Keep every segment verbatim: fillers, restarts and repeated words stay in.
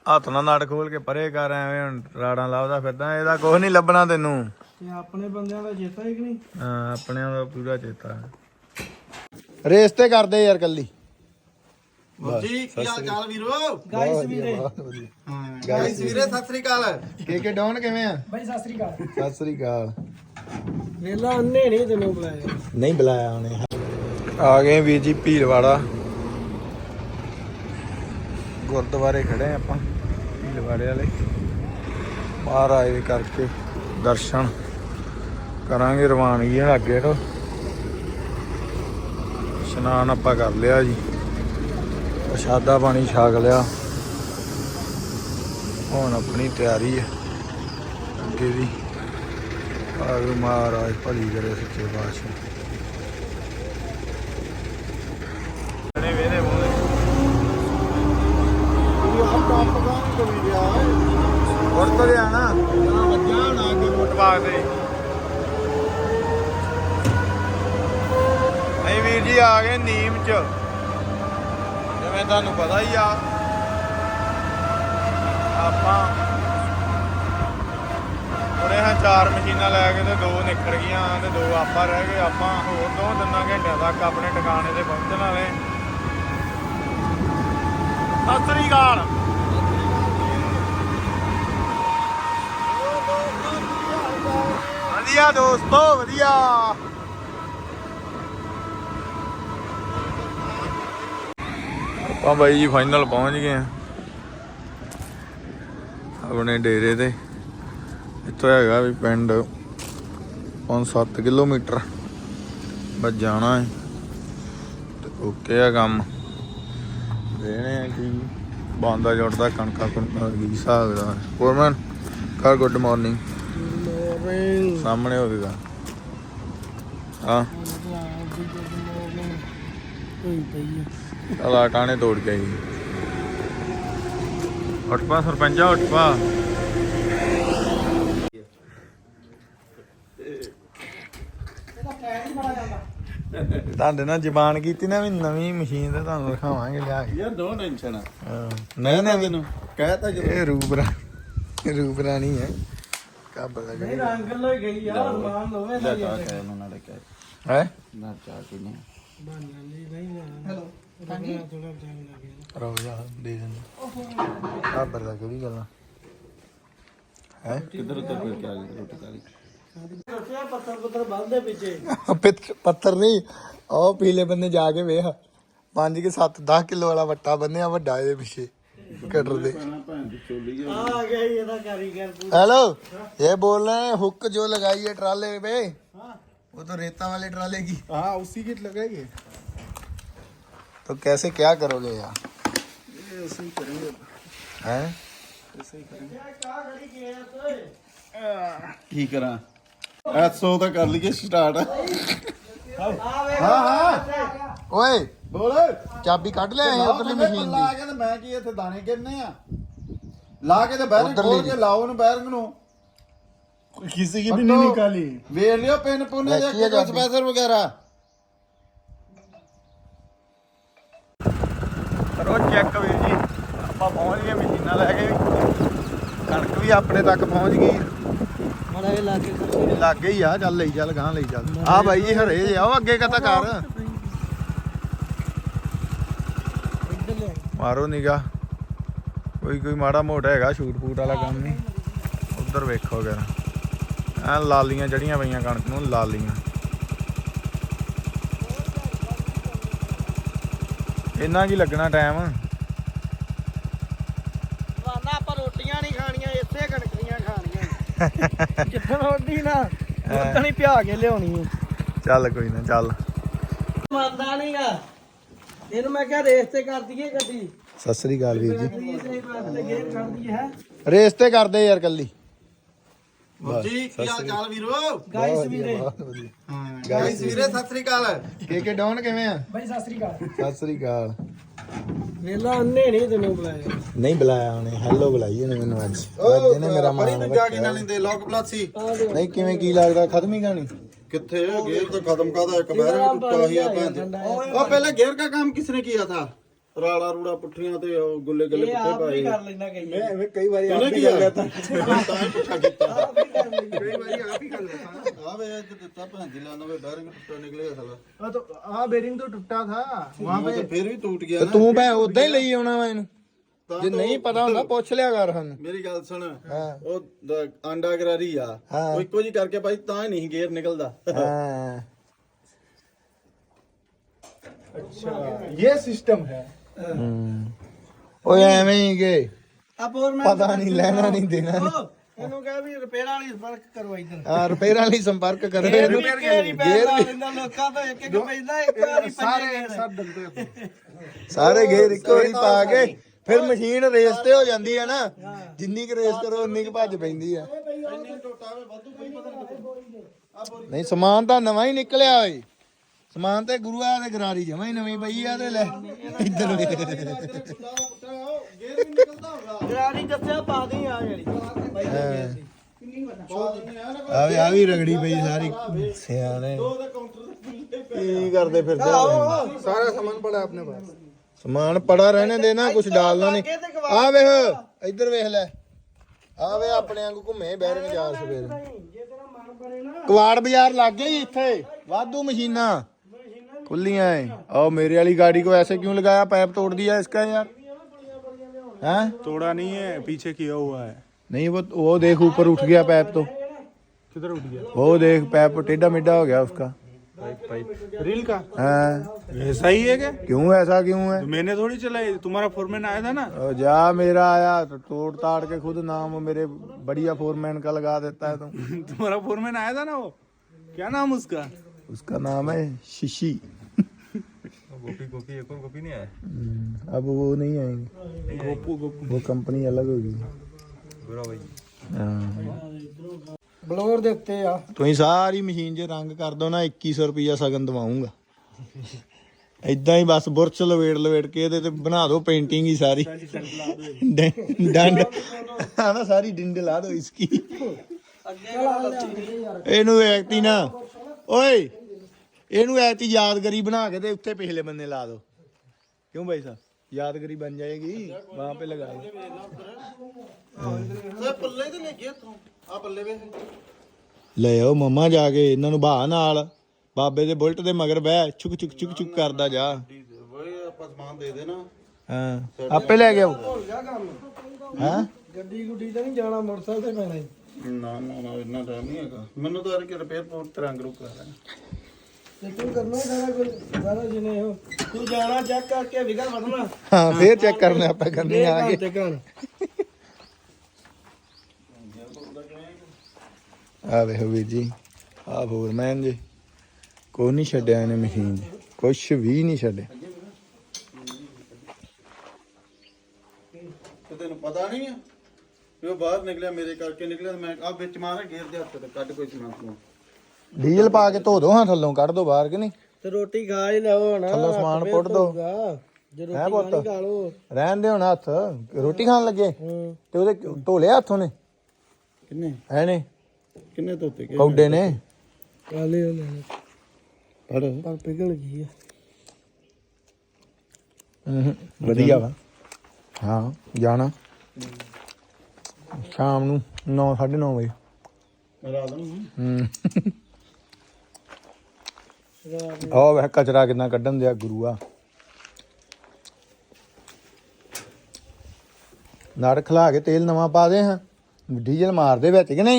ਹੱਥ ਨਾਲ ਨਟ ਖੋਲ ਕੇ ਪਰੇ ਕਰ ਐਵੇਂ ਹੁਣ ਰਾੜਾਂ ਲਾਉਦਾ ਫਿਰਦਾ ਇਹਦਾ ਕੁਝ ਨਹੀਂ ਲੱਭਣਾ ਤੈਨੂੰ ਤੇ ਆਪਣੇ ਬੰਦਿਆਂ ਦਾ ਚੇਤਾ ਹੀ ਕਿ ਨਹੀਂ ਹਾਂ ਆਪਣਿਆਂ ਦਾ ਪੂਰਾ ਚੇਤਾ ਰੇਸ ਤੇ ਕਰਦੇ ਯਾਰ ਕੱਲੀ ਜੀ ਕੀ ਹਾਲ ਚਾਲ ਵੀਰੋ ਗਾਇਸ ਵੀਰੇ ਹਾਂ ਗਾਇਸ ਵੀਰੇ ਸਤਿ ਸ੍ਰੀ ਅਕਾਲ ਕੇ ਕੇ ਡਾਊਨ ਕਿਵੇਂ ਆ ਬਾਈ ਸਤਿ ਸ੍ਰੀ ਅਕਾਲ ਸਤਿ ਸ੍ਰੀ ਅਕਾਲ ਵੇਲਾ ਅੰਨੇ ਨਹੀਂ ਤੈਨੂੰ ਬੁਲਾਇਆ ਨਹੀਂ ਬੁਲਾਇਆ ਉਹਨੇ ਆ ਗਏ ਵੀਰ ਜੀ ਭੀਲਵਾੜਾ ਗੁਰਦੁਆਰੇ ਖੜੇ ਆਪਾਂ ਭੀਲਵਾੜੇ ਵਾਲੇ ਮਹਾਰਾਜ ਦੇ ਕਰਕੇ ਦਰਸ਼ਨ ਕਰਾਂਗੇ ਰਵਾਨਗੀ ਅੱਗੇ ਤੋਂ ਇਸ਼ਨਾਨ ਆਪਾਂ ਕਰ ਲਿਆ ਜੀ ਪ੍ਰਸ਼ਾਦਾ ਪਾਣੀ ਛਕ ਲਿਆ ਹੁਣ ਆਪਣੀ ਤਿਆਰੀ ਹੈ ਅੱਗੇ ਦੀ ਆਗੂ ਮਹਾਰਾਜ ਭਲੀ ਕਰੇ ਸੱਚੇ ਪਾਤਸ਼ਾਹ ਨੇ ਵੇਰੇ ਮੋਲੇ ਹੋਰ ਤੋਂ ਲਿਆਣਾ ਵੱਜਾ ਨਾ ਅੱਗੇ ਫੁੱਟਬਾਗ ਤੇ ਨਹੀਂ ਵੀਰ ਜੀ ਆ ਗਏ ਨੀਮ ਚ ਜਿਵੇਂ ਤੁਹਾਨੂੰ ਪਤਾ ਹੀ ਆ ਆਪਾਂ ਉਹਨੇ ਹਾਂ ਚਾਰ ਮਸ਼ੀਨਾਂ ਲੈ ਕੇ ਤੇ ਦੋ ਨਿਕਲ ਗਈਆਂ ਤੇ ਦੋ ਆਪਾਂ ਰਹਿ ਗਏ ਆਪਾਂ ਹੋਰ ਦੋ ਤਿੰਨਾਂ ਘੰਟਿਆਂ ਤੱਕ ਆਪਣੇ ਟਿਕਾਣੇ ਤੇ ਪਹੁੰਚਣ ਵਾਲੇ ਸਤਿ ਸ੍ਰੀ ਅਕਾਲ ਵਧੀਆ ਦੋਸਤੋ ਵਧੀਆ ਆਪਾਂ ਬਾਈ ਜੀ ਫਾਈਨਲ ਪਹੁੰਚ ਗਏ ਆ ਆਪਣੇ ਡੇਰੇ ਤੇ ਇੱਥੋਂ ਹੈਗਾ ਵੀ ਪਿੰਡ ਪੰਜ ਸੱਤ ਕਿਲੋਮੀਟਰ ਬਸ ਜਾਣਾ ਹੈ ਤੇ ਓਕੇ ਆ ਕੰਮ ਦੇਣੇ ਆ ਕਿ ਬੰਦਾ ਜੁੜਦਾ ਕਣਕਾਂ ਕਣਕਾਂ ਕੀ ਹਿਸਾਬ ਦਾ ਫੋਰਮੈਨ ਕਰ ਗੁੱਡ ਮਾਰਨਿੰਗ ਸਾਹਮਣੇ ਹੋਵੇਗਾ ਹਾਂ ਚਲ ਟਾਣੇ ਤੋੜ ਕੇ ਆਈ ਉੱਠ ਪਾ ਸਰਪੰਚਾ ਉੱਠ ਪਾ ਤੁਹਾਡੇ ਨਾਲ ਜ਼ਬਾਨ ਕੀਤੀ ਨਾ ਵੀ ਨਵੀਂ ਮਸ਼ੀਨ ਤੇ ਤੁਹਾਨੂੰ ਦਿਖਾਵਾਂਗੇ ਲਿਆ ਕੇ ਯਾਰ ਦੋ ਟੈਨਸ਼ਨ ਨਹੀਂ ਨਾ ਮੈਨੂੰ ਕਹਿਤਾ ਜਦੋਂ ਇਹ ਰੂਬਰਾ ਰੂਬਰਾ ਨਹੀਂ ਹੈ ਕੱਬ ਦਾ ਨਹੀਂ ਰੰਗ ਲੋ ਗਈ ਆ ਮਾਨ ਲੋਵੇ ਦਾ ਚਾਹ ਕਹਿ ਉਹਨਾਂ ਨੇ ਕਹਿ ਹੈ ਨਾ ਚਾਹ ਪੀਣੀ ਬਣ ਜਾਂਦੀ ਨਹੀਂ ਹੈਲੋ ਥੋੜਾ ਟਾਈਮ ਲੱਗਿਆ ਰੋ ਜਾ ਦੇ ਦਿੰਦੇ ਕੱਬ ਦਾ ਕਿਹੜੀ ਗੱਲਾਂ ਹੈ ਕਿੱਧਰ ਉੱਧਰ ਫਿਰ ਕੇ ਆ ਗਈ ਰੋਟੀ ਖਾ ਲਈ ਦੱਸਿਆ ਪੱਥਰ ਪੱਥਰ ਬੰਦੇ ਪਿੱਛੇ ਪੱਥਰ ਨਹੀਂ ਉਹ ਪੀਲੇ ਬੰਦੇ ਜਾ ਕੇ ਵੇਖ ਪੰਜ ਕੇ ਸੱਤ ਦਸ ਕਿਲੋ ਵਾਲਾ ਵੱਟਾ ਬੰਨਿਆ ਵੱਡਾ ਇਹਦੇ ਪਿੱਛੇ कटर दे आ गया ये था कारीगर हेलो ये बोल रहे हैं हुक जो लगाई है ट्राले पे वो तो रेता वाले ट्राले की हाँ उसी की लगाएंगे तो कैसे क्या करोगे यार ये ऐसे ही करेंगे हैं ऐसे ही करेंगे की करा ऐसो तो कर लिए स्टार्ट हाँ हाँ ओए बोल चाबी ਕੱਢ ਲੈ ਆਏ ਉਧਰਲੀ ਮਸ਼ੀਨ ਲਾ ਕੇ ਤੇ ਮੈਂ ਕੀ ਇੱਥੇ ਦਾਣੇ ਕਿੰਨੇ ਆ ਲਾ ਕੇ ਤੇ ਬੈਰਿੰਗ ਖੋਲ ਕੇ ਲਾਓ ਉਹਨੂੰ ਬੈਰਿੰਗ ਨੂੰ किसी की भी नहीं निकाली ਵੇਖ ਲਿਓ ਪਿੰਨ ਪੁੰਨੇ ਜਾਂ ਕੋਈ ਸਪੈਸਰ ਵਗੈਰਾ ਕਰੋ ਚੈੱਕ ਵੀਰ ਜੀ ਆਪਾਂ ਪਹੁੰਚ ਗਏ ਮਸ਼ੀਨਾਂ ਲੈ ਕੇ ਕਣਕ ਵੀ ਆਪਣੇ ਤੱਕ ਪਹੁੰਚ ਗਈ बड़ा इलाके ਲਾਗੇ ਹੀ ਆ ਚੱਲ ਲਈ ਚੱਲ ਗਾਂ ਲਈ ਚੱਲ ਆ ਬਾਈ ਜੀ ਹਰੇ ਜੇ ਆਓ ਅੱਗੇ ਕਤਾ ਕਰ ਮਾਰੋ ਨਿਗਾ ਕੋਈ ਕੋਈ ਮਾੜਾ ਮੋਟਾ ਹੈਗਾ ਸ਼ੂਟ ਫੂਟ ਵਾਲਾ ਕੰਮ ਨਹੀਂ ਉਧਰ ਵੇਖੋ ਜਰਾ ਐ ਲਾਲੀਆਂ ਜੜੀਆਂ ਪਈਆਂ ਕਣਕ ਨੂੰ ਲਾਲੀਆਂ ਇੰਨਾ ਕੀ ਲੱਗਣਾ ਟਾਈਮ ਵਾਨਾ ਆਪਾਂ ਰੋਟੀਆਂ ਨਹੀਂ ਖਾਣੀਆਂ ਇੱਥੇ ਕਣਕੀਆਂ ਖਾਣੀਆਂ ਜਿੱਦਣ ਰੋਟੀ ਨਾ ਉਦੋਂ ਹੀ ਪਿਆ ਕੇ ਲਿਆਉਣੀ ਚੱਲ ਕੋਈ ਨਾ ਚੱਲ ਮੰਨਦਾ ਨਹੀਂਗਾ ਇਹਨੂੰ ਮੈਂ ਕਿਹਾ ਰੇਸ ਤੇ ਕਰ ਦਈਏ ਗੱਡੀ ਸਤਿ ਸ੍ਰੀ ਅਕਾਲ ਵੀਰ ਜੀ ਸਹੀ ਬਾਤ ਤੇ ਗੇਰ ਛੱਡ ਦਈਏ ਹੈ ਰੇਸ ਤੇ ਕਰਦੇ ਯਾਰ ਕੱਲੀ ਜੀ ਕੀ ਹਾਲ ਚਾਲ ਵੀਰੋ ਗਾਇਸ ਵੀਰੇ ਹਾਂ ਗਾਇਸ ਵੀਰੇ ਸਤਿ ਸ੍ਰੀ ਅਕਾਲ ਕੇ ਕੇ ਡਾਊਨ ਕਿਵੇਂ ਆ ਬਾਈ ਸਤਿ ਸ੍ਰੀ ਅਕਾਲ ਸਤਿ ਸ੍ਰੀ ਅਕਾਲ ਵੇਲਾ ਅੰਨੇ ਨਹੀਂ ਤੈਨੂੰ ਬੁਲਾਇਆ ਨਹੀਂ ਬੁਲਾਇਆ ਉਹਨੇ ਹੈਲੋ ਬੁਲਾਈ ਉਹਨੇ ਮੈਨੂੰ ਅੱਜ ਅੱਜ ਇਹਨੇ ਮੇਰਾ ਬੜੀ ਮਾਣ ਦੂਜਾ ਕੀ ਨਾ ਲੈਂਦੇ ਲੋਕ ਪਲਾਸੀ ਨਹੀਂ ਕਿਵੇਂ ਕੀ ਲੱਗਦਾ ਖਤਮ ਹੀ ਕਹਾਣੀ ਕਿੱਥੇ ਗੇਰ ਤਾਂ ਖਤਮ ਕਾਦਾ ਇੱਕ ਬੈਰਿੰਗ ਟੁੱਟਾ ਹੀ ਆ ਭੈਣ ਉਹ ਪਹਿਲੇ ਗੇਰ ਦਾ ਕੰਮ ਕਿਸਨੇ ਕੀਤਾ था ਰਾੜਾ ਰੂੜਾ ਪੁੱਠੀਆਂ ਤੇ ਉਹ ਗੁੱਲੇ ਗੱਲੇ ਇਹ ਪੁੱਠੇ ਆਪ ਵੀ ਪਾਏ ਕਰ ਲੈਂਦਾ ਕਈ मैं मैं कई बार ਉਹਨੇ ਕੀ ਕਰ ਲਿਆ ਤਾਂ ਹੀ ਪੁੱਠਾ ਕੀਤਾ ਆਪ ਵੀ ਕਰ ਲੈਂਦਾ कई बार आप ही कर लेता ਆ ਵੇ ਅੱਜ ਦਿੱਤਾ ਭੈਣ ਜੀ ਲਾਣਾ ਵੇ ਬੈਰਿੰਗ ਟੁੱਟਾ ਨਿਕਲਿਆ ਸਾਲਾ हाँ तो हाँ बेरिंग तो टूटा था वहाँ पे ਤੇ ਫਿਰ ਵੀ ਟੁੱਟ ਗਿਆ ਤੇ ਨਾ ਤੂੰ ਭੈ ਉਦਾਂ ਹੀ ਲਈ ਆਉਣਾ ਵਾ ਇਹਨੂੰ ਤਾਂ ਜੇ ਤਾਂ ਨਹੀਂ ਪਤਾ ਹੁੰਦਾ ਪੁੱਛ ਲਿਆ ਕਰ ਸਾਨੂੰ ਮੇਰੀ ਗੱਲ ਸੁਣ ਹਾਂ। ਉਹ ਦ- ਆਂਡਾ ਗਰਾਰੀ ਆ ਹਾਂ। ਉਹ ਇੱਕੋ ਜੀ ਕਰਕੇ ਭਾਈ ਤਾਂ ਹੀ ਨਹੀਂ ਗੇਅਰ ਨਿਕਲਦਾ ਹਾਂ अच्छा ये सिस्टम है ਹੂੰ। ਓਏ ਐਵੇਂ ਹੀ ਗਏ ਆ ਹੋਰ ਮੈਂ ਪਤਾ ਨਹੀਂ ਲੈਣਾ ਨਹੀਂ ਦੇਣਾ ਨਹੀਂ। ਉਹ, ਇਹਨੂੰ ਕਹਿ ਵੀ ਰਿਪੇਅਰ ਵਾਲੀ ਸੰਪਰਕ ਕਰੋ ਇੱਧਰ ਆ ਰਿਪੇਅਰ ਵਾਲੀ ਸੰਪਰਕ ਕਰੋ ਗੇਰ ਇਹਨੂੰ ਵੀ ਕਿਹੜੀ ਪੈਰ ਲਾ ਲੈਂਦਾ ਲੋਕਾਂ ਤੋਂ ਇੱਕ ਇੱਕ ਪੈਂਦਾ ਇੱਕ ਵਾਰੀ सारे ਪੰਜੇ एक ਗੇਰ साथ डलते हैं ਸਾਰੇ ਗੇਰ ਇੱਕੋ ਵਾਰੀ ਪਾ ਕੇ ਫਿਰ ਮਸ਼ੀਨ ਰੇਸ ਤੇ ਹੋ ਜਾਂਦੀ ਹੈ ਨਾ ਜਿੰਨੀ ਕੁ ਰੇਸ ਕਰੋ ਉਨੀ ਕੁ ਭੱਜ ਪੈਂਦੀ ਆ ਇੰਨੇ ਟੋਟਾ ਵੇ ਵਾਧੂ ਕੋਈ ਪਤਾ ਨਹੀਂ ਨਹੀਂ ਸਮਾਨ ਤਾਂ ਨਵਾਂ ਹੀ ਨਿਕਲਿਆ ਓਏ ਸਮਾਨ ਤੇ ਗੁਰੂਆ ਦੇ ਗਰਾਰੀ ਜਮਾ ਹੀ ਨਵੀਂ ਪਈ ਆ ਤੇ ਲੈ ਇੱਧਰ ਵੇ ਗੇਅਰ ਵੀ ਨਿਕਲਦਾ ਹੋਗਾ ਗਰਾਰੀ ਦੱਸਿਆ ਪਾ ਦੇ ਆ ਜਿਹੜੀ ਆ ਵੀ ਆ ਵੀ ਰਗੜੀ ਪਈ ਸਾਰੀ ਸਿਆਣੇ ਉਹਦੇ ਕਾਊਂਟਰ ਤੇ ਕੀ ਕਰਦੇ ਫਿਰਦੇ ਹੋ? सारा सामान पड़ा है अपने पास ਸਮਾਨ ਪੜਾ ਰਹਿਣੇ ਦੇ ਨਾ ਕੁਝ ਡਾਲਣਾ ਨਹੀਂ ਆ ਵੇਖ ਇੱਧਰ ਵੇਖ ਲੈ ਆ ਵੇ ਆਪਣੇ ਵਾਂਗੂ ਘੁੰਮੇ ਬੈਰਿੰਗ ਜਾ ਸਵੇਰ ਜੇ ਤੇਰਾ ਮਨ ਬਣੇ ਨਾ ਕਵਾੜ ਬਾਜ਼ਾਰ ਲੱਗ ਗਿਆ ਜੀ ਇੱਥੇ ਵਾਧੂ ਮਸ਼ੀਨਾਂ खुलियां है और मेरे वाली गाड़ी को ऐसे क्यों लगाया पैप तोड़ दिया इसका यार हैं तोड़ा नहीं है पीछे किया हुआ है नहीं वो वो देख ऊपर उठ गया पैप तो किधर उठ गया वो देख पैप टेढ़ा मेढ़ा हो गया उसका पाइप पाइप रील का हैं ऐसा ही है क्या क्यों ऐसा क्यों है तो मैंने थोड़ी चलाई तुम्हारा फोरमैन आया था ना और जा मेरा आया तो तोड़ ताड़ के खुद नाम मेरे बढ़िया फोरमैन का लगा देता है तुम तुम्हारा फोरमैन आया था ना वो क्या नाम उसका उसका नाम है शिशी गोपी गोपी एक और गोपी नहीं आया हम्म, अब वो नहीं आएंगे गोपू गोपू वो कंपनी अलग होगी बुरा भाई हाँ ਬਲੋਰ ਦੇ ਉੱਤੇ ਆ ਤੁਸੀਂ ਸਾਰੀ ਮਸ਼ੀਨ 'ਚ ਰੰਗ ਕਰ ਦੋ ਨਾ ਇੱਕੀ ਸੌ ਰੁਪਈਆ ਸਗਨ ਦਵਾਉਂਗਾ ਇਦਾਂ ਹੀ ਬਸ ਬੁਰਸ਼ ਲਵੇੜ ਲਵੇੜ ਕੇ ਇਹਦੇ ਤੇ ਬਣਾ ਦਿਓ ਪੇਂਟਿੰਗ ਹੀ ਸਾਰੀ ਡੰ- ਡੰਡ ਹਾਂ ਨਾ ਸਾਰੀ ਡਿੰਡ ਲਾ ਦਿਓ ਇਸਕੀ ਇਹਨੂੰ ਐਕਟੀ ਨਾ ਓਏ ਇਹਨੂੰ ਐਕਟੀ ਯਾਦਗਰੀ ਬਣਾ ਕੇ ਤੇ ਉੱਤੇ ਪਿਛਲੇ ਬੰਨੇ ਲਾ ਦਿਓ ਕਿਉਂ ਭਾਈ ਸਾਹਿਬ यादगिरी बन जाएगी वहां पे लगाए ਓਏ ਪੱਲੇ ਤੇ ਲੈ ਗਿਆ ਤੂੰ ਆ ਪੱਲੇ ਵੇ ਲੈ ਆਓ ਮੰਮਾ ਜਾ ਕੇ ਇਹਨਾਂ ਨੂੰ ਬਾਹ ਨਾਲ ਬਾਬੇ ਦੇ ਬੁਲਟ ਦੇ ਮਗਰ ਬਹਿ ਛੁਕ ਛੁਕ ਛੁਕ ਛੁਕ ਕਰਦਾ ਜਾ ਓਏ ਆਪਾਂ ਸਮਾਨ ਦੇ ਦੇ ਨਾ ਹਾਂ ਆਪੇ ਲੈ ਗਿਆ ਹੋ ਗਿਆ ਕੰਮ ਹਾਂ ਗੱਡੀ ਗੁੱਡੀ ਤਾਂ ਨਹੀਂ ਜਾਣਾ ਮੋਟਰਸਾਈਕਲ ਤੇ ਪੈਣਾ ਈ। ਨਾ ਨਾ ਨਾ ਇੰਨਾ ਟਾਈਮ ਨਹੀਂ ਹੈਗਾ ਮੈਨੂੰ ਤਾਂ ਅਰ ਕਿ ਰਿਪੇਅਰ ਪੋਰਟ ਤੇ ਰੰਗ ਰੁਕ ਕਰਾ ਤੇ ਤੂੰ ਕਰਨਾ ਹੀ ਸਾਰਾ ਕੁਝ ਸਾਰਾ ਜਿਨੇ ਉਹ ਤੂੰ ਜਾਣਾ ਚੈੱਕ ਕਰਕੇ ਵਿਗਾ ਵੜਨਾ ਹਾਂ ਫੇਰ ਚੈੱਕ ਕਰਨਾ ਆਪਾਂ ਕਰਨੀ ਆ ਗਏ ਤੇ ਕਰ ਆ ਵੇਖੋ ਵੀਰ ਜੀ ਆ ਫੋਰਮੈਨ ਜੀ ਕੋਈ ਨਹੀਂ ਛੱਡਿਆ ਇਹਨੇ ਮਸ਼ੀਨ 'ਚ ਕੁਛ ਵੀ ਨਹੀਂ ਛੱਡਿਆ ਤੇ ਤੈਨੂੰ ਪਤਾ ਨਹੀਂ ਆ ਵੀ ਉਹ ਬਾਹਰ ਨਿਕਲਿਆ ਮੇਰੇ ਕਰਕੇ ਨਿਕਲਿਆ ਤੇ ਮੈਂ ਆ ਵਿੱਚ ਮਾਰਿਆ ਗੇਰ ਦੇ ਹੱਥ ਤੇ ਕੱਢ ਕੋਈ ਸਮਾਨ ਤੂੰ ਡੀਜ਼ਲ ਪਾ ਕੇ ਧੋ ਦੋ ਹਾਂ ਥੱਲੋਂ ਕੱਢ ਦੋ ਬਾਹਰ ਕਿ ਨਹੀਂ ਤੇ ਰੋਟੀ ਖਾ ਹੀ ਲਓ ਹੁਣ ਥੱਲੋਂ ਸਮਾਨ ਪੁੱਟ ਦੋ ਜੇ ਹੈ ਰੋਟੀ ਪੁੱਤ ਖਾਣੀ ਖਾ ਲਓ ਰਹਿਣ ਦੇ ਹੁਣ ਹੱਥ ਰੋਟੀ ਖਾਣ ਲੱਗੇ ਹੂੰ ਤੇ ਉਹਦੇ ਧੋ ਲਿਆ ਹੱਥੋਂ ਨੇ ਕਿੰਨੇ ਹੈ ਨੇ ਕਿੰਨੇ ਧੋਤੇ ਗਏ ਕੌਡੇ ਨੇ ਕਾਲੇ ਹੋ ਲੈਣੇ ਫੜ ਪਰ ਪਿਘਲ ਗਈ ਆ ਹੂੰ ਵਧੀਆ ਵਾ ਹਾਂ ਜਾਣਾ ਸ਼ਾਮ ਨੂੰ ਨੌ ਸਾਢੇ ਨੌ ਵਜੇ ਰਾਤ ਨੂੰ ਹੂੰ ਉਹ ਵੇ ਕਚਰਾ ਕਿੰਨਾ ਕੱਢਣ ਦਿਆ ਗੁਰੂਆ ਨਾੜ ਖਲਾ ਕੇ ਤੇਲ ਨਵਾਂ ਪਾ ਦੇ ਹਾਂ ਡੀਜ਼ਲ ਮਾਰ ਦੇ ਵਿੱਚ ਕਿ ਨਹੀਂ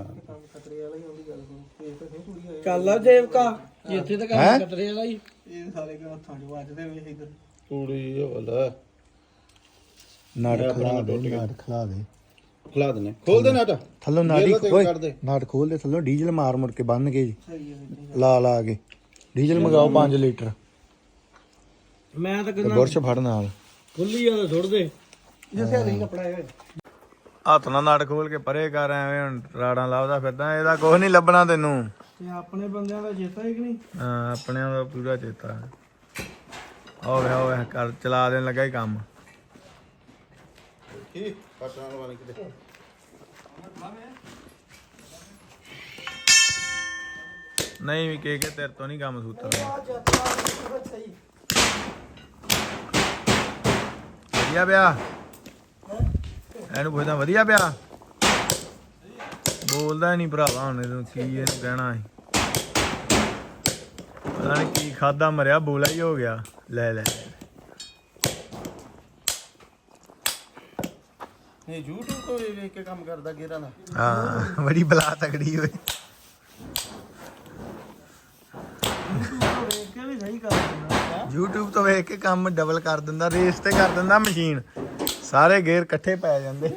ਕਾਲਾ ਜੇਬ ਕਾ ਇੱਥੇ ਤਾਂ ਹੈਂ? ਕੰਮ ਕਤਰੇ ਵਾਲਾ ਹੀ ਇਹ ਸਾਰੇ ਕਾ ਹੱਥਾਂ 'ਚ ਵੱਜਦੇ ਵੇਖ ਇਧਰ ਕੁੜੀ ਹੋਲਾ ਨਾੜ ਖਲਾ ਦੇ ਨਾੜ ਖਲਾ ਦੇ ਖਲਾ ਦਨੇ ਖੋਲ ਦੇ ਨਾਟਾ ਥੱਲੋਂ ਨਾੜੀ ਜੇਲ੍ਹ ਤੇ ਓਏ ਕੱਢ ਦੇ। ਨਾੜ ਖੋਲ ਦੇ ਥੱਲੋਂ ਡੀਜ਼ਲ ਮਾਰ ਮੁੜ ਕੇ ਬੰਨ ਕੇ ਜੀ ਲਾ ਲਾ ਕੇ ਡੀਜ਼ਲ ਮੰਗਾਓ ਪੰਜ ਲੀਟਰ ਮੈਂ ਤਾਂ ਤੇ ਕਹਿੰਦਾ ਬੁਰਸ਼ ਫੜ ਨਾਲ ਖੁੱਲੀ ਆ ਤਾਂ ਸੁੱਟ ਦੇ ਜਿੱਥੇ ਨਹੀਂ ਕੱਪੜਾ ਹੈ ਹੱਥ ਨਾਲ ਨਾੜ ਖੋਲ ਕੇ ਪਰੇ ਕਰ ਐਵੇਂ ਹੁਣ ਰਾੜਾਂ ਲਾਉਦਾ ਫਿਰਦਾ ਇਹਦਾ ਕੁਝ ਨਹੀਂ ਲੱਭਣਾ ਤੈਨੂੰ ਤੇ ਆਪਣੇ ਬੰਦਿਆਂ ਦਾ ਚੇਤਾ ਹੀ ਕਿ ਨਹੀਂ ਹਾਂ ਆਪਣਿਆਂ ਦਾ ਪੂਰਾ ਚੇਤਾ ਹੈ ਹੋਵੇ ਹੋਵੇ ਕਰ ਚਲਾ ਦੇਣ ਲੱਗਾ ਹੀ ਕੰਮ ਕੀ ਪਟਾਣ ਵਾਲੀ ਕਿਤੇ ਨਹੀਂ ਵੀ ਕੇ ਕੇ ਤੇਰੇ ਤੋਂ ਨਹੀਂ ਕੰਮ ਸੂਤਰ ਵਧੀਆ ਪਿਆ ਇਹਨੂੰ ਪੁੱਛਦਾ ਵਧੀਆ ਪਿਆ ਬੋਲਦਾ ਨਹੀਂ ਭਰਾਵਾ ਹੁਣ ਇਹਨੂੰ ਕੀ ਇਹਨੂੰ ਕਹਿਣਾ ਹੈ ਪਤਾ ਨਹੀਂ ਕੀ ਖਾਦਾ ਮਰਿਆ ਬੋਲਾ ਹੀ ਹੋ ਗਿਆ ਲੈ ਲੈ ਇਹ YouTube ਤੋਂ ਵੇਖ ਵੇਖ ਕੇ ਕੰਮ ਕਰਦਾ ਗੇਰਾਂ ਦਾ ਹਾਂ ਬੜੀ ਬਲਾ ਤਕੜੀ ਹੋਏ ਵੇਖ ਕੇ ਵੀ ਸਹੀ ਕਰ ਦਿੰਦਾ YouTube ਤੋਂ ਵੇਖ ਕੇ ਕੰਮ ਡਬਲ ਕਰ ਦਿੰਦਾ ਰੇਸ ਤੇ ਕਰ ਦਿੰਦਾ ਮਸ਼ੀਨ ਸਾਰੇ ਗੇਅਰ ਇਕੱਠੇ ਪੈ ਜਾਂਦੇ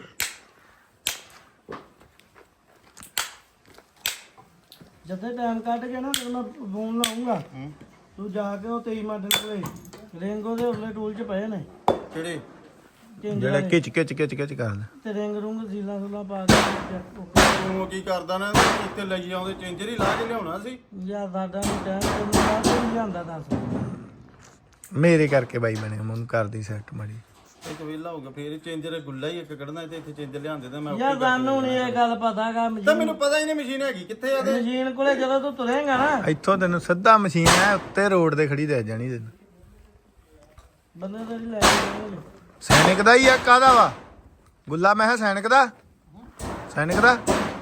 ਜਦੋਂ ਟਾਈਮ ਕੱਢ ਕੇ ਨਾ ਤੈਨੂੰ ਮੈਂ ਫੋਨ ਲਾਉਂਗਾ ਤੂੰ ਜਾ ਕੇ ਉਹ ਤੇਈ ਮਾਡਲ ਕੋਲੇ ਰਿੰਗੋ ਦੇ ਉਰਲੇ ਟੂਲ 'ਚ ਪਏ ਨੇ ਕਿਹੜੇ ਜਿਹੜਾ ਖਿੱਚ ਖਿੱਚ ਖਿੱਚ ਖਿੱਚ ਕਰਦਾ ਤੇ ਰਿੰਗ ਰੁੰਗ ਸੀਲਾ ਸੁਲਾ ਪਾ ਕੇ ਤੂੰ ਕੀ ਕਰਦਾ ਨਾ ਇੱਥੇ ਲਈ ਆਉਂਦੇ ਚੇਂਜਰ ਹੀ ਲਾ ਕੇ ਲਿਆਉਣਾ ਸੀ ਯਾਰ ਸਾਡਾ ਨਹੀਂ ਟਾਈਮ ਤੈਨੂੰ ਬਾਅਦ ਨਹੀਂ ਜਾਂਦਾ ਦੱਸ ਮੇਰੇ ਕਰਕੇ ਬਾਈ ਬਣੇ ਮੈਨੂੰ ਕਰਦੀ ਸੈੱਟ ਮਾੜੀ ਇੱਕ ਵੇਲਾ ਹੋਊਗਾ ਫੇਰ ਚੇਂਜਰ ਗੁੱਲਾ ਹੀ ਇੱਕ ਕੱਢਣਾ ਤੇ ਇੱਥੇ ਚੇਂਜਰ ਲਿਆਂਦੇ ਤੇ ਮੈਂ ਯਾਰ ਸਾਨੂੰ ਨਹੀਂ ਇਹ ਗੱਲ ਪਤਾਗਾ ਤਾਂ ਮੈਨੂੰ ਪਤਾ ਹੀ ਨਹੀਂ ਮਸ਼ੀਨ ਹੈਗੀ ਕਿੱਥੇ ਆ ਤੇ ਮਸ਼ੀਨ ਕੋਲੇ ਜਦੋਂ ਤੂੰ ਤੁਰੇਂਗਾ ਨਾ ਇੱਥੋਂ ਤੈਨੂੰ ਸਿੱਧਾ ਮਸ਼ੀਨ ਹੈ ਉੱਤੇ ਰੋਡ ਤੇ ਖੜੀ ਰਹਿ ਜਾਣੀ ਤੈਨੂੰ ਬੰਦੇ ਤੇਰੀ ਲੈ ਕੇ ਜਾਣਗੇ ਸੈਨਿਕ ਦਾ ਹੀ ਆ ਕਾਹਦਾ ਵਾ ਗੁੱਲਾ ਮੈਂ ਕਿਹਾ ਸੈਨਿਕ ਦਾ ਸੈਨਿਕ ਦਾ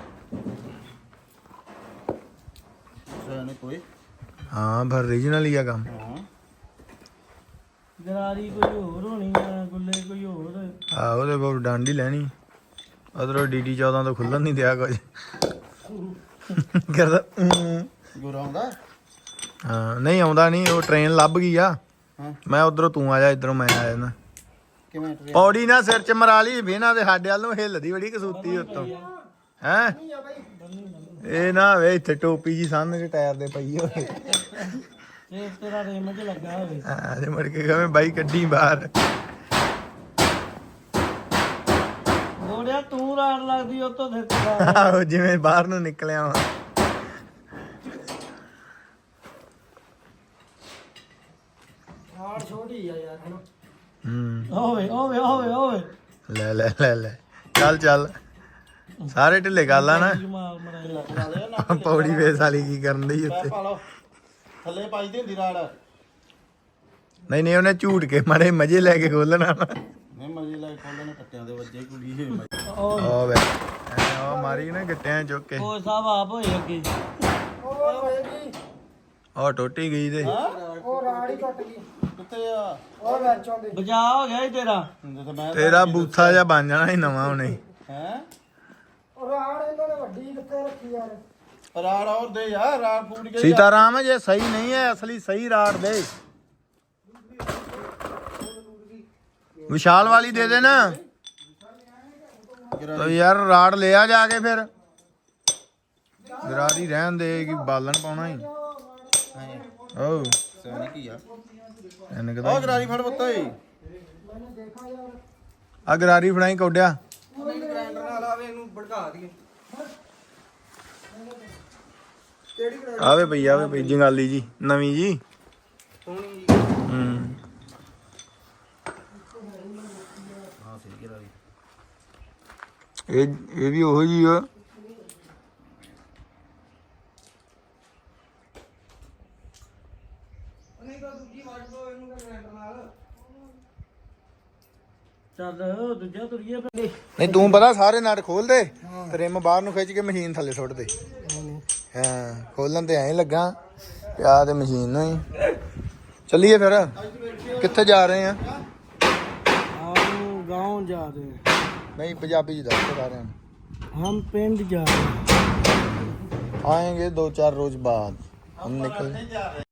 ਸੈਨਿਕ ਕੋਈ ਹਾਂ ਪਰ ਰੀਜਨਲ ਹੀ ਆ ਕੰਮ ਹਾਂ ਗਰਾਰੀ ਕੋਈ ਹੋਰ ਹੋਣੀ ਆ ਗੁੱਲੇ ਕੋਈ ਹੋਰ ਆ ਉਹਦੇ ਕੋਲ ਡੰਡ ਹੀ ਲੈਣੀ ਉਧਰੋਂ ਡੀਡੀ ਚੌਦਾਂ ਤੋਂ ਖੁੱਲਣ ਨਹੀਂ ਦਿਆ ਕੁਝ ਕਰਦਾ ਊਂ। ਗੁਰ ਆਉਂਦਾ ਹਾਂ ਨਹੀਂ ਆਉਂਦਾ ਨਹੀਂ ਉਹ ਟ੍ਰੇਨ ਲੱਭ ਗਈ ਆ ਹਾਂ ਮੈਂ ਉਧਰੋਂ ਤੂੰ ਆ ਜਾ ਇਧਰੋਂ ਮੈਂ ਆ ਜਾਣਾ ਕਿਵੇਂ ਟ੍ਰੇਨ ਪੌੜੀ ਨਾ ਸਿਰ ਚ ਮਰਾ ਲਈ ਵੇਨਾ ਦੇ ਸਾਡੇ ਵੱਲ ਨੂੰ ਹਿੱਲਦੀ ਬੜੀ ਕਸੂਤੀ ਉੱਤੋਂ ਹੈ ਇਹ ਨਾ ਵੇ ਇੱਥੇ ਟੋਪੀ ਜੀ ਸਾਹਮਣੇ ਟਾਇਰ ਦੇ ਪਈ ਹੋਵੇ ਤੇ ਤੇਰਾ ਰੇਮ 'ਚ ਲੱਗਾ ਹੋਵੇ ਹਾਂ ਜੇ ਮੁੜ ਕੇ ਕਹਵੇਂ ਬਾਈ ਕੱਢੀ ਬਾਹਰ ਗੋੜਿਆ ਤੂੰ ਰਾੜ ਲੱਗਦੀ ਉਹ ਤੋਂ ਫਿਰ ਤੇਰਾ ਆਹੋ ਜਿਵੇਂ ਬਾਹਰ ਨੂੰ ਨਿਕਲਿਆ ਵਾ ਰਾੜ ਛੋਟੀ ਆ ਯਾਰ ਹਨਾ ਹੂੰ ਹੋਵੇ ਹੋਵੇ ਹੋਵੇ ਹੋਵੇ ਲੈ ਲੈ ਲੈ ਲੈ ਚੱਲ ਚੱਲ ਸਾਰੇ ਢਿੱਲੇ ਗੱਲ ਆ ਨਾ ਮਾਰ ਮਰਾਈ ਲਾ ਦੇ ਨਾ ਪੌੜੀ ਵੇਸ ਵਾਲੀ ਕੀ ਕਰਨ ਦੀ ਉੱਤੇ ਪਾ ਲਓ ਥੱਲੇ ਪਾਈ ਦੀ ਹੁੰਦੀ ਰਾੜ ਨਹੀਂ ਨਹੀਂ ਉਹਨੇ ਝੂਟ ਕੇ ਮਾਰੇ ਮਜ਼ੇ ਲੈ ਕੇ ਖੋਲਣਾ ਨਹੀਂ ਮਜੇ ਲੈ ਖੋਲਣ ਨੇ ਕੱਟਿਆਂ ਦੇ ਵੱਜੇ ਕੁੜੀ ਹੋਈ ਮਜ਼ੇ। ਉਹ ਉਹ ਵੇ ਉਹ ਮਾਰੀ ਨਾ ਗਿੱਟਿਆਂ ਚੁੱਕ ਕੇ ਉਹ ਸਾਹਿਬ ਆਪ ਹੋਏ ਅੱਗੇ ਉਹ ਟੁੱਟੀ ਗਈ ਤੇ ਉਹ ਰਾੜ ਹੀ ਟੁੱਟ ਗਈ ਕਿੱਥੇ ਆ ਉਹ ਵਿੱਚੋਂ ਦੇ ਬਚਾ ਹੋ ਗਿਆ ਈ ਤੇਰਾ ਹੁੰਦੇ ਤਾਂ ਮੈਂ ਤੇਰਾ ਬੂਥਾ ਜਿਹਾ ਬਣ ਜਾਣਾ ਸੀ ਨਵਾਂ ਉਹਨੇ ਹੈ ਰਾੜ ਇਹਨਾਂ ਨੇ ਵੱਡੀ ਕਿੱਥੇ ਰੱਖੀ ਯਾਰ ਰਾੜ ਹੋਰ ਦੇ ਯਾਰ ਰਾੜ ਫੂਟ ਗਈ ਸੀਤਾਰਾਮ ਜੇ ਸਹੀ ਨਹੀਂ ਹੈ ਅਸਲੀ ਸਹੀ ਰਾੜ ਦੇ ਵਿਸ਼ਾਲ ਵਾਲੀ ਦੇ ਦੇ ਨਾ ਤੋ ਯਾਰ ਰਾੜ ਲਿਆ ਜਾ ਕੇ ਫਿਰ ਗਰਾਰੀ ਰਹਿਣ ਦੇ ਕਿ ਬਾਲਣ ਪਾਉਣਾ ਹੀ ਓ ਸੈਨਿਕ ਕੀ ਆ ਇਹਨੇ ਉਹ ਕਹਦਾ ਗਰਾਰੀ ਫੜ ਪੁੱਤ ਓਏ ਆ ਗਰਾਰੀ ਫੜਾਈ ਕੋਡਿਆ ਗ੍ਰਾਈਂਡਰ ਨਾਲ ਆਵੇ ਇਹਨੂੰ ਭੜਕਾ ਦਈਏ ਆਵੇ ਪਈ ਆਵੇ ਪਈ ਜੰਗਾਲੀ ਜੀ ਨਵੀਂ ਜੀ ਸੋਹਣੀ ਹੂੰ ਹਾਂ ਸਹੀ ਗਰਾਰੀ ਇਹ ਇਹ ਵੀ ਉਹੋ ਜੀ ਆ ਚੱਲ ਦੂਜਾ ਤੁਰੀਏ ਪਹਿਲੇ ਨਹੀਂ ਤੂੰ ਪਤਾ ਸਾਰੇ ਨਟ ਖੋਲ ਦੇ ਤੇ ਰਿਮ ਬਾਹਰ ਨੂੰ ਖਿੱਚ ਕੇ ਮਸ਼ੀਨ ਥੱਲੇ ਸੁੱਟ ਦੇ ਹਾਂ ਖੋਲਣ ਤੇ ਐਂ ਲੱਗਾ ਪਿਆ ਤੇ ਮਸ਼ੀਨ ਨੂੰ ਹੀ ਚੱਲੀਏ ਫਿਰ ਕਿੱਥੇ ਜਾ ਰਹੇ ਆ हम गांव जा रहे हैं ਨਹੀਂ ਪੰਜਾਬੀ ਚ ਦੱਸ ਸਾਰਿਆਂ ਨੂੰ हम पिंड जा रहे हैं आएंगे दो चार रोज बाद हम निकल